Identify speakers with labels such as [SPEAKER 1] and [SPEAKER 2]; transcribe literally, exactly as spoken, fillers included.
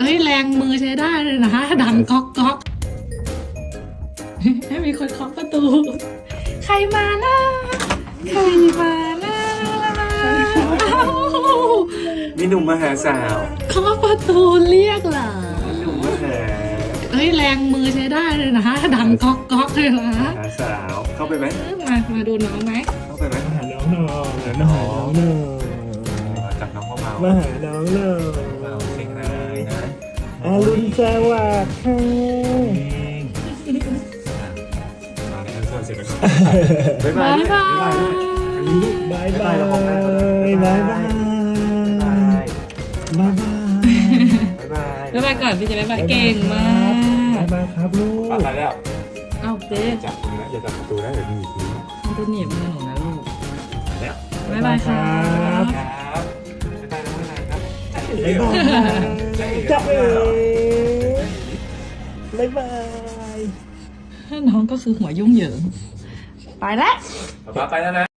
[SPEAKER 1] ฮ้ยแรงมือใช้ได้เลยนะดังก๊อกก๊อกให้มีคนเคาะประตู ใครมานะใครมานะ
[SPEAKER 2] มีหนุ่มมาหาสาว
[SPEAKER 1] เคาะประตูเรียกเหรอ
[SPEAKER 2] หนุ่มมาหา
[SPEAKER 1] เฮ้ยแรงมือใช้ได้เลยนะดังก๊อกก๊อกเลยนะ
[SPEAKER 2] หาสาวเข้าไปไหม
[SPEAKER 1] มามาดูน้องไหม
[SPEAKER 2] เข้าไปไหม
[SPEAKER 3] มาหาน้องหน่อยมาหาน้องหน่อย
[SPEAKER 2] จับน้องเบา
[SPEAKER 3] มาหาน้องหน่อย
[SPEAKER 2] ๆเบาเสียงเลยนะ
[SPEAKER 3] อารุณสวัสดิ์ค่ะ
[SPEAKER 2] มาในอันส่วนเสร็จแล้วบ๊ายบา
[SPEAKER 1] บ๊าย ยบาย
[SPEAKER 3] บายบายบายบายบายบายบาย
[SPEAKER 2] บ๊ายบาย
[SPEAKER 1] บ๊ายบายก่อนพี่จะบ๊ายบายเก่งมาก
[SPEAKER 3] บายบายครับลูก
[SPEAKER 2] ไปแล้ว
[SPEAKER 1] เอ้าเจ๊
[SPEAKER 2] จับตรงนี้อย่าจับประตูนะเดี๋ยวมีอีกที
[SPEAKER 1] มันจะเหนียบมือหนูนะลูก
[SPEAKER 2] แล้ว
[SPEAKER 1] บ๊ายบายครับ
[SPEAKER 2] ครับบ๊ายบายน้องนายครับ
[SPEAKER 3] บายบายจ้าเอ๋บายบาย
[SPEAKER 1] น้องก็คือหัวยุ่งเหยิง ไปแล้ว
[SPEAKER 2] ป๊าไปแล้วนะ